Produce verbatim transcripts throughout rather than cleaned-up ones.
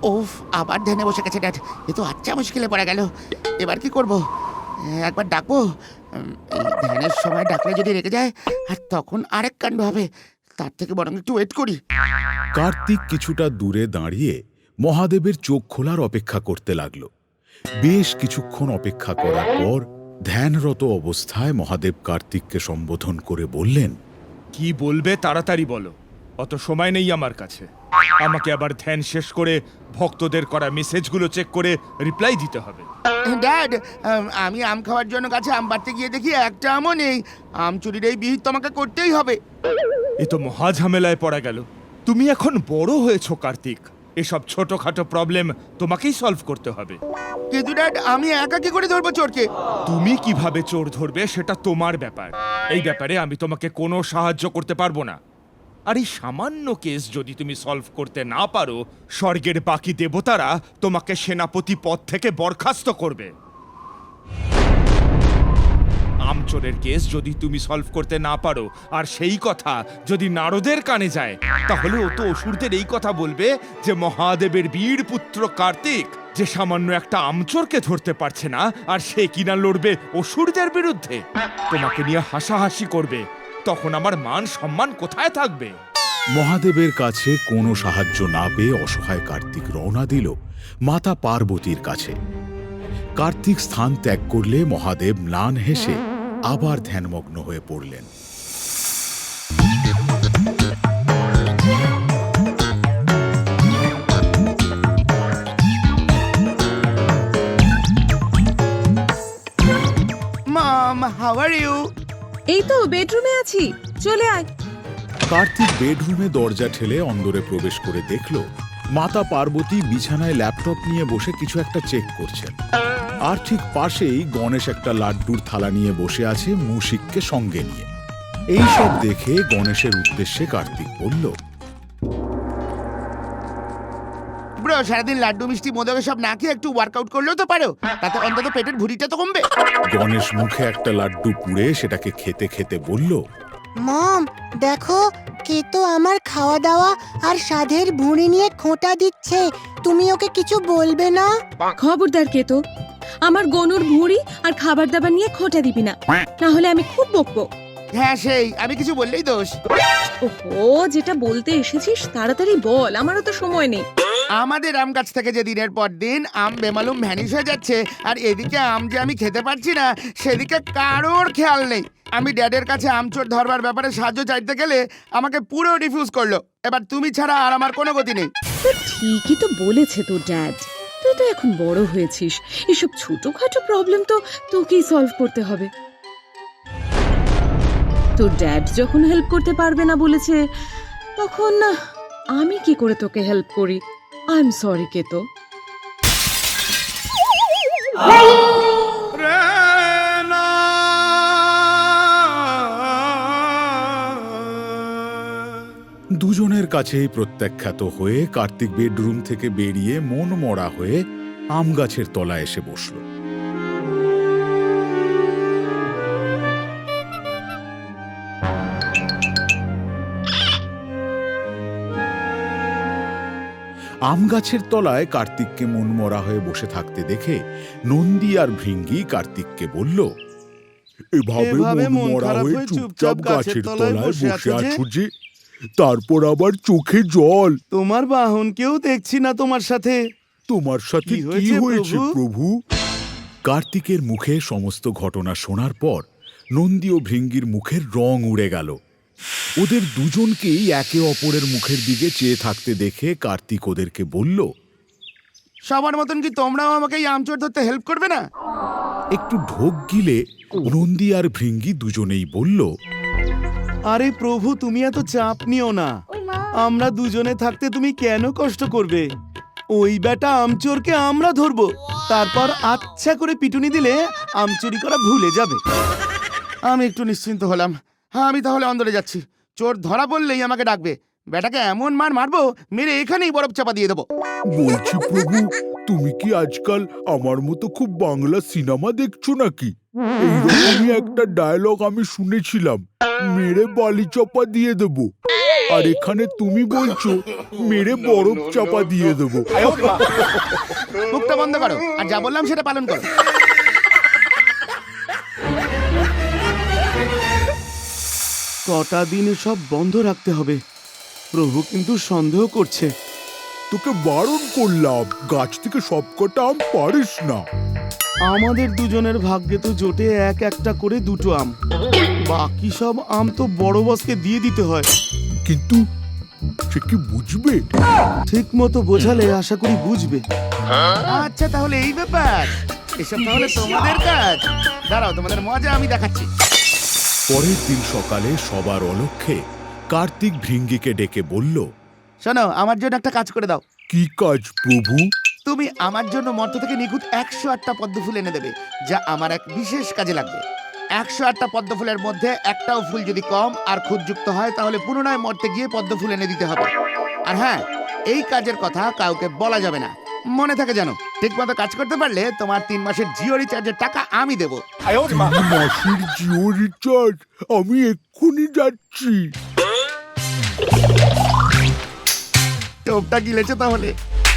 ওফ, আবার ধ্যানে বসে গেছে ড্যাড। এ তো আচ্ছা মুশকিলে পড়ে গেল। এবার কি করব? একবার ডাকবো? উম, এই ধ্যানের সময় ডাকলে যদি রেগে যায় আর তখন আরেক কাণ্ড হবে। তার থেকে বরং একটু ওয়েট করি। কার্তিক কিছুটা দূরে দাঁড়িয়ে মহাদেবের চোখ খোলার অপেক্ষা করতে লাগল। বেশ কিছুক্ষণ অপেক্ষা করার পর ধ্যানরত অবস্থায় মহাদেব কার্তিককে সম্বোধন করে বললেন, কি বলবে তাড়াতাড়ি বলো, অত সময় নেই আমার কাছে। আমাকে আবার ধ্যান শেষ করে ভক্তদের করা মেসেজগুলো চেক করে রিপ্লাই দিতে হবে। ড্যাড, আম, আমি আম খাওয়ার জন্য গাছে আম পাড়তে গিয়ে দেখি একটা আমও নেই। আম চুরির এই বিহিত তোমাকে করতেই হবে। এ তো মহা ঝামেলায় পড়া গেল। তুমি এখন বড় হয়েছো কার্তিক, এসব ছোটখাটো প্রবলেম তোমাকেই সলভ করতে হবে। কিন্তু ড্যাড, আমি একা কি করে ধরবো চোরকে? তুমি কিভাবে চোর ধরবে সেটা তোমার ব্যাপার। এই ব্যাপারে আমি তোমাকে কোনো সাহায্য করতে পারবো না। আর এই সামান্য কেস যদি তুমি সলভ করতে না পারো, স্বর্গের বাকি দেবতারা তোমাকে সেনাপতি পদ থেকে বরখাস্ত করবে। আমচোরের কেস যদি তুমি সলভ করতে না পারো আর সেই কথা যদি নারদের কানে যায়, তাহলে ও তো অসুরদের এই কথা বলবে যে মহাদেবের বীর পুত্র কার্তিক যে সামান্য একটা আমচোরকে ধরতে পারছে না, আর সে কিনা লড়বে অসুরদের বিরুদ্ধে। তোমাকে নিয়ে হাসাহাসি করবে। তখন আমার মান সম্মান কোথায় থাকবে? মহাদেবের কাছে কোনো সাহায্য না পেয়ে অসহায় কার্তিক রওনা দিল মাতা পার্বতীর কাছে। কার্তিক স্থান ত্যাগ করলে মহাদেব ম্লান হেসে আবার ধ্যানমগ্ন হয়ে পড়লেন। Mom, how are you? এই তো বেডরুমে আছি, চলে আয়। কার্তিক বেডরুমে দরজা ঠেলে অন্দরে প্রবেশ করে দেখল মাতা পার্বতী বিছানায় ল্যাপটপ নিয়ে বসে কিছু একটা চেক করছেন। আর ঠিক পাশেই গণেশ একটা লাড্ডুর থালা নিয়ে বসে আছে মুশিককে সঙ্গে নিয়ে। এই সব দেখে গণেশের উদ্দেশ্যে কার্তিক বলল, ব্রো, সারাদিন লাড্ডু মিষ্টি মোদক সব না খেয়ে একটু ওয়ার্কআউট করলেও তো পারো। তাতে অন্তত পেটের ভুঁড়িটা তো কমবে। গণেশ মুখে একটা লাড্ডু পুড়ে সেটাকে খেতে খেতে বলল, মম, দেখো কে তো আমার খাওয়া দাওয়া আর সাধের ভুঁড়ি নিয়ে খোঁটা দিচ্ছে। তুমি ওকে কিছু বলবে না? খবরদার কে তো আমার গনুর ভুঁড়ি আর খাবার দাবার নিয়ে খোঁটা দিবি না, না হলে আমি খুব বকবো। হ্যাঁ, সেই আমি কিছু বললেই দোষ। ওহো, যেটা বলতে এসেছিস তাড়াতাড়ি বল, আমারও তো সময় নেই। আমাদের আম গাছ থেকে যে দিনের পর দিন আম বেমালুম ভ্যানিশ হয়ে যাচ্ছে, আর এদিকে আম যে আমি খেতে পারছি না সেদিকে কারোর খেয়াল নেই। আমি ড্যাডের কাছে আমচোর ধরবার ব্যাপারে সাহায্য চাইতে গেলে আমাকে পুরো রিফিউজ করলো। এবার তুমি ছাড়া আর আমার কোনো গতি নেই। তো ঠিকই তো বলেছে তোর ড্যাড, তুই তো এখন বড় হয়েছিস, এসব ছোটখাটো প্রবলেম তো তোকেই সলভ করতে হবে। তোর ড্যাড যখন হেল্প করতে পারবে না বলেছে, তখন আমি কি করে তোকে হেল্প করি? আই এম সরি কে তো। দুজনের কাছেই প্রত্যাখ্যাত হয়ে কার্তিক বেডরুম থেকে বেরিয়ে মন মরা হয়ে আম গাছের তলায় এসে বসল। আম গাছের তলায় কার্তিককে মন মরা হয়ে বসে থাকতে দেখে নন্দী আর ভৃঙ্গি কার্তিককে বলল, এভাবে মন মরা হয়ে চুপচাপ গাছের তলায় বসে আছো যে, তারপর আবার চোখে জল। তোমার বাহনকেও দেখছি না তোমার সাথে। তোমার সাথে কি কি হয়েছে হয়েছে প্রভু? প্রভু? কার্তিকের মুখে সমস্ত ঘটনা শোনার পর নন্দী ও ভৃঙ্গির মুখের রং উড়ে গেল। ওদের দুজনকেই একে অপরের মুখের দিকে চেয়ে থাকতে দেখে কার্তিক ওদেরকে বলল, সবার মতন কি তোমরাও আমাকে এই আমচোর ধরতে হেল্প করবে না? একটু ঢোক গিলে নন্দী আর ভৃঙ্গি দুজনেই বলল, আরে প্রভু, তুমি এত চাপ নিও না। আমরা দুজনে থাকতে তুমি কেন কষ্ট করবে? ওই বেটা আমচোরকে আমরা ধরবো, তারপর আচ্ছা করে পিটুনি দিলে আমচুরি করা ভুলে যাবে। আমি একটু নিশ্চিন্ত হলাম। হ্যাঁ, আমি তাহলে অন্দরে যাচ্ছি। চোর ধরা পড়লেই আমাকে ডাকবে। বেটাকে এমন মার মারবো, মেরে এখানেই বরফ চাপা দিয়ে দেবো। বলছি প্রভু, তুমি কি আজকাল আমার মতো খুব বাংলা সিনেমা দেখছো নাকি? এইরকমই একটা ডায়লগ আমি শুনেছিলাম, মেরে বালি চাপা দিয়ে দেবো। আর এখানে তুমি বলছো মেরে বরফ চাপা দিয়ে দেবো। মুখটা বন্ধ করো আর যা বললাম সেটা পালন করো। কটা দিন সব বন্ধ রাখতে হবে। প্রভু কিন্তু সন্দেহ করছে। তোকে বারণ করলাম, গাছ থেকে সব কটা আম পারিস না। আমাদের দুজনের ভাগ্যে তো জোটে এক একটা করে দুটো আম, বাকি সব আম তো বড় বসকে দিয়ে দিতে হয়। কিন্তু সে কি বুঝবে? ঠিক মতো বোঝালে আশা করি বুঝবে। আচ্ছা তাহলে এই ব্যাপার, এসব তাহলে তোমাদের কাজ। দাঁড়াও, তোমাদের মজা আমি দেখাচ্ছি। পরের দিন সকালে সবার অলক্ষ্যে কার্তিক ভৃঙ্গিকে ডেকে বলল, শোনো, আমার জন্য একটা কাজ করে দাও। কি কাজ প্রভু? তুমি আমার জন্য মর্ত থেকে নিখুঁত একশো আটটা পদ্ম ফুল এনে দেবে, যা আমার এক বিশেষ কাজে লাগবে। একশো আটটা পদ্ম ফুলের মধ্যে একটাও ফুল যদি কম আর খুঁতযুক্ত হয় তাহলে পুনরায় মর্তে গিয়ে পদ্ম ফুল এনে দিতে হবে। আর হ্যাঁ, এই কাজের কথা কাউকে বলা যাবে না, মনে থাকে জানো। ঠিক মতো কাজ করতে পারলে তোমার তিন মাসের জিও রিচার্জের টাকা আমি দেবো। তিন মাসের জিও রিচার্জ? আমি এক্ষুনি যাচ্ছি। টোপটা গিলেছে তাহলে।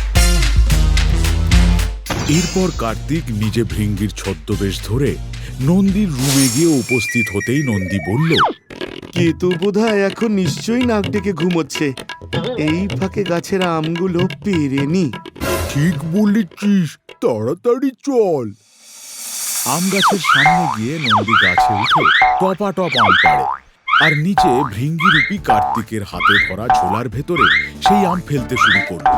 এরপর কার্তিক নিজে ভৃঙ্গির ছদ্মবেশ ধরে নন্দীর রুমে গিয়ে উপস্থিত হতেই নন্দী বলল, কেতু বোধহয় এখন নিশ্চয়ই নাক ডেকে ঘুমোচ্ছে। এই ফাঁকে গাছের আমগুলো পেরেনি। ঠিক বলেছিস, তাড়াতাড়ি চল। আম গাছের সামনে গিয়ে নন্দী গাছে উঠে টপা টপ আম পাড়ে, আর নিচে ভৃঙ্গিরূপী কার্তিকের হাতে ধরা ঝোলার ভেতরে সেই আম ফেলতে শুরু করল।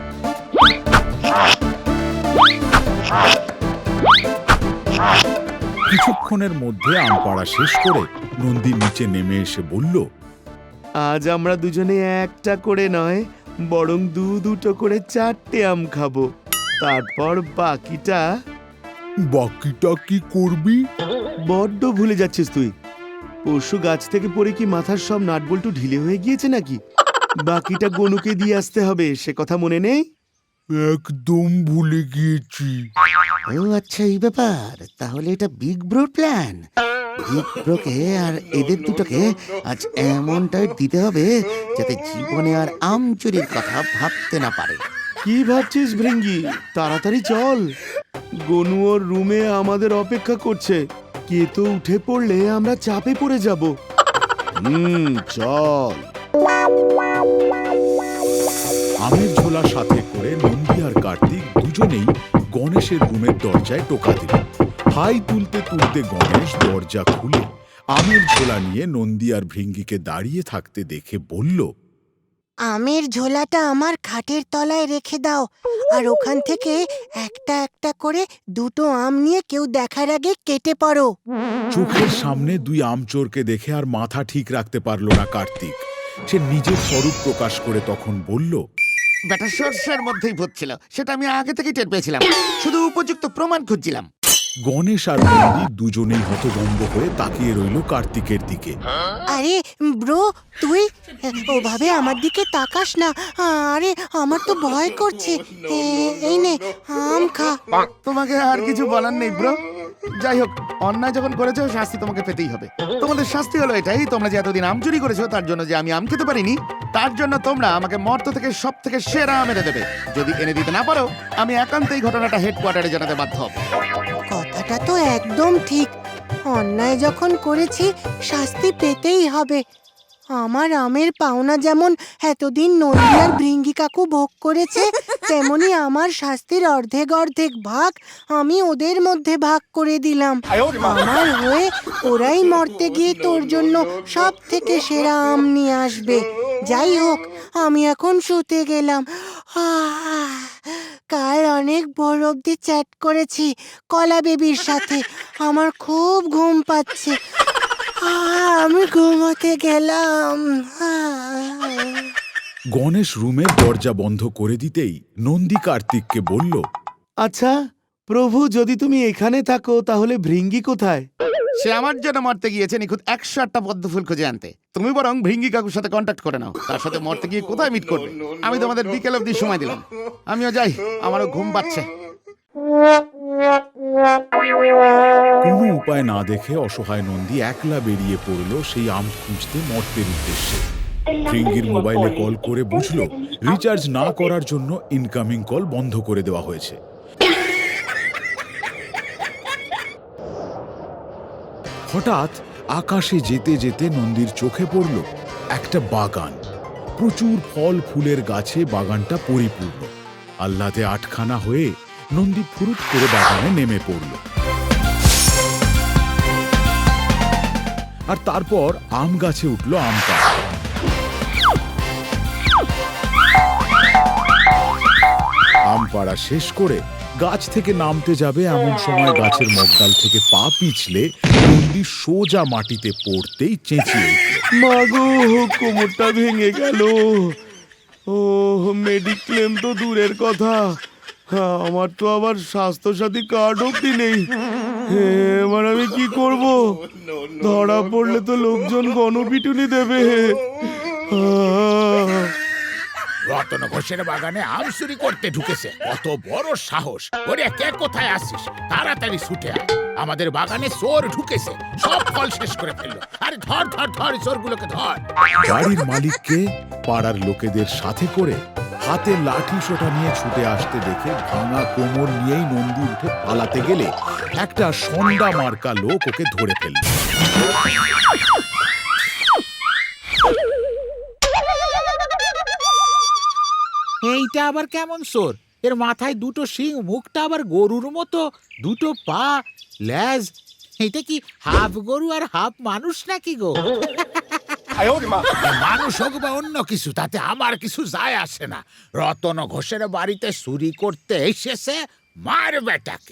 কিছুক্ষণের মধ্যে আম পাড়া শেষ করে নন্দী নিচে নেমে এসে বলল, আজ আমরা দুজনে একটা করে নয়, বরং দু দুটো করে চারটে আম খাবো। তারপর বাকিটা। বাকিটা কি করবি? বড্ড ভুলে যাচ্ছিস তুই। পরশু গাছ থেকে পড়ে কি মাথার সব নাটবল্টু ঢিলে হয়ে গিয়েছে নাকি? বাকিটা গনুকে দিয়ে আসতে হবে, সে কথা মনে নেই? একদম ভুলে গিয়েছি। ও আচ্ছা, এই ব্যাপার। তাহলে এটা বিগ ব্রোর প্ল্যান। বিগ ব্রোকে আর এদের দুটোকে আজ এমন টাইট দিতে হবে যাতে জীবনে আর আম চুরির কথা ভাবতে না পারে। কি ভাবছিস ভৃঙ্গি? তাড়াতাড়ি চল, গনু ওর রুমে আমাদের অপেক্ষা করছে। কেতো উঠে পড়লে আমরা চাপে পড়ে যাব। হুম, চল। আমের ঝোলা সাথে করে নন্দী আর কার্তিক দুজনেই গণেশের রুমের দরজায় টোকা দিল। হাই তুলতে তুলতে গণেশ দরজা খুলে আমের ঝোলা নিয়ে নন্দী আর ভৃঙ্গিকে দাঁড়িয়ে থাকতে দেখে বলল, আমের ঝোলাটা আমার খাটের তলায় রেখে দাও, আর ওখান থেকে একটা একটা করে দুটো আম নিয়ে কেউ দেখার আগে কেটে পড়ো। চোখের সামনে দুই আমচোরকে দেখে আর মাথা ঠিক রাখতে পারল না কার্তিক। সে নিজের স্বরূপ প্রকাশ করে তখন বলল, ব্যাটা সর্ষের মধ্যেই ভূত ছিল, সেটা আমি আগে থেকেই টের পেয়েছিলাম, শুধু উপযুক্ত প্রমাণ খুঁজছিলাম। গণেশ আর নন্দী দুজনেই হতভম্ব হয়ে তাকিয়ে রইল কার্তিকের দিকে। আরে ব্রো, তুই ওভাবে আমার দিকে তাকাস না। আরে আমার তো ভয় করছে। এ- এই নে, আম খা। তোমাকে আর কিছু বলার নেই ব্রো। যাই হোক, অন্যায় যখন করেছো শাস্তি তোমাকে পেতেই হবে। তোমাদের শাস্তি হলো এটাই, তোমরা যে এতদিন আম চুরি করেছো তার জন্য যে আমি আম খেতে পারিনি, তার জন্য তোমরা আমাকে মর্ত থেকে সব থেকে সেরা আম এনে দেবে। যদি এনে দিতে না পারো, আমি একান্তই ঘটনাটা হেডকোয়ার্টারে জানাতে বাধ্য হব। কথাটা তো একদম ঠিক। অন্যায় যখন করেছি শাস্তি পেতেই হবে। আমার আমের পাওনা যেমন এতদিন নন্দী আর ভৃঙ্গি কাকু ভোগ করেছে, তেমনি আমার শাস্তির অর্ধেক অর্ধেক ভাগ আমি ওদের মধ্যে ভাগ করে দিলাম। আমার হয়ে ওরাই মরতে গিয়ে তোর জন্য সব থেকে সেরা আম নিয়ে আসবে। যাই হোক, আমি এখন শুতে গেলাম। আহ, কাল অনেক ভোর অব্দি চ্যাট করেছি কলা বেবির সাথে। আমার খুব ঘুম পাচ্ছে। আহ, আমি ঘুমাতে গেলাম। গণেশ রুমের দরজা বন্ধ করে দিতেই নন্দী কার্তিককে বলল, আচ্ছা প্রভু, যদি তুমি এখানে থাকো তাহলে ভৃঙ্গি কোথায়? সে আমার জন্য মরতে গিয়েছে নিখুঁত একশো আটটা পদ্ম ফুল খুঁজে আনতে। তুমি বরং ভৃঙ্গি কাকুর সাথে কন্ট্যাক্ট করে নাও, তার সাথে মরতে গিয়ে কোথায় মিট করবে। আমি তোমাদের বিকেল অবধি সময় দিলাম। আমিও যাই, আমারও ঘুম পাচ্ছে। কোনো উপায় না দেখে অসহায় নন্দী একলা বেরিয়ে পড়ল সেই আম খুঁজতে মর্তের উদ্দেশ্যে। ভৃঙ্গির মোবাইলে কল করে বুঝলো রিচার্জ না করার জন্য ইনকামিং কল বন্ধ করে দেওয়া হয়েছে। হঠাৎ আকাশে যেতে যেতে নন্দীর চোখে পড়ল একটা বাগান। প্রচুর ফল ফুলের গাছে বাগানটা পরিপূর্ণ। আহ্লাদে আটখানা হয়ে নন্দী ফুরুত করে বাগানে নেমে পড়ল। আর তারপর আম গাছে উঠল আম পাড়া। আম পাড়া শেষ করে গাছ থেকে নামতে যাবে এমন সময় গাছের মগডাল থেকে পা পিছলে নন্দী সোজা মাটিতে পড়তেই চেঁচিয়ে উঠল। মাগো, কোমরটা ভেঙে গেল। ও, মেডিক্লেম তো দূরের কথা, আমার তো আবার স্বাস্থ্যসাথী কার্ড অব্দি নেই। এবার আমি কি করব? ধরা পড়লে তো লোকজন গণপিটুনি দেবে। আহ! রতন ঘোষের বাগানে আম চুরি করতে ঢুকেছে, কত বড় সাহস! ওরে, কে কোথায় আসছিস? তাড়াতাড়ি ছুটে আয়, আমাদের বাগানে চোর ঢুকেছে, সব ফল শেষ করে ফেললো। আরে ধর ধর ধর, চোরগুলোকে ধর। বাড়ির মালিককে পাড়ার লোকেদের সাথে করে হাতে লাঠি সোটা নিয়ে ছুটে আসতে দেখে ভাঙা কোমর নিয়েই নন্দী উঠে পালাতে গেলে একটা সন্ধ্যা মার্কা লোক ওকে ধরে ফেলল। এইটা আবার কেমন চোর? এর মাথায় দুটো শিং, মুখটা আবার গরুর মতো, দুটো পা, লেজ। এটা কি হাফ গরু আর হাফ মানুষ নাকি গো? মানুষ হোক বা অন্য কিছু, তাতে আমার কিছু যায় আসে না। রতন ঘোষের বাড়িতে চুরি করতে এসেছে, মার বেটাকে।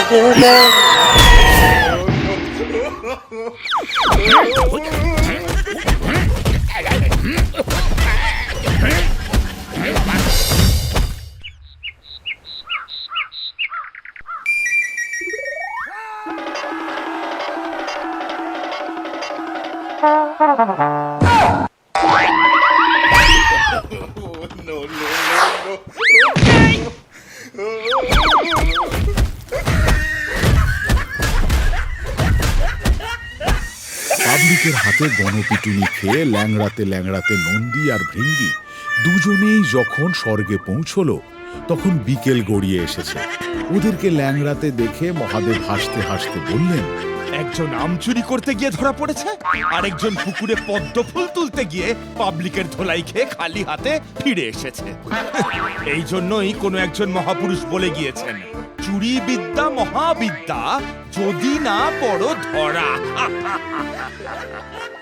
পাবলিকের হাতে গণপিটুনি খেয়ে ল্যাংড়াতে ল্যাংড়াতে নন্দী আর ভৃঙ্গি দুজনেই যখন স্বর্গে পৌঁছলো, তখন বিকেল গড়িয়ে এসেছে। ওদেরকে ল্যাংড়াতে দেখে মহাদেব হাসতে হাসতে বললেন, একজন আম চুরি করতে গিয়ে ধরা পড়েছে, আরেকজন পুকুরে পদ্ম ফুল তুলতে গিয়ে পাবলিকের ধোলাই খেয়ে খালি হাতে ফিরে এসেছে। এই জন্যই কোনো একজন মহাপুরুষ বলে গিয়েছেন, চুরি বিদ্যা মহাবিদ্যা, যদি না পড়ো ধরা।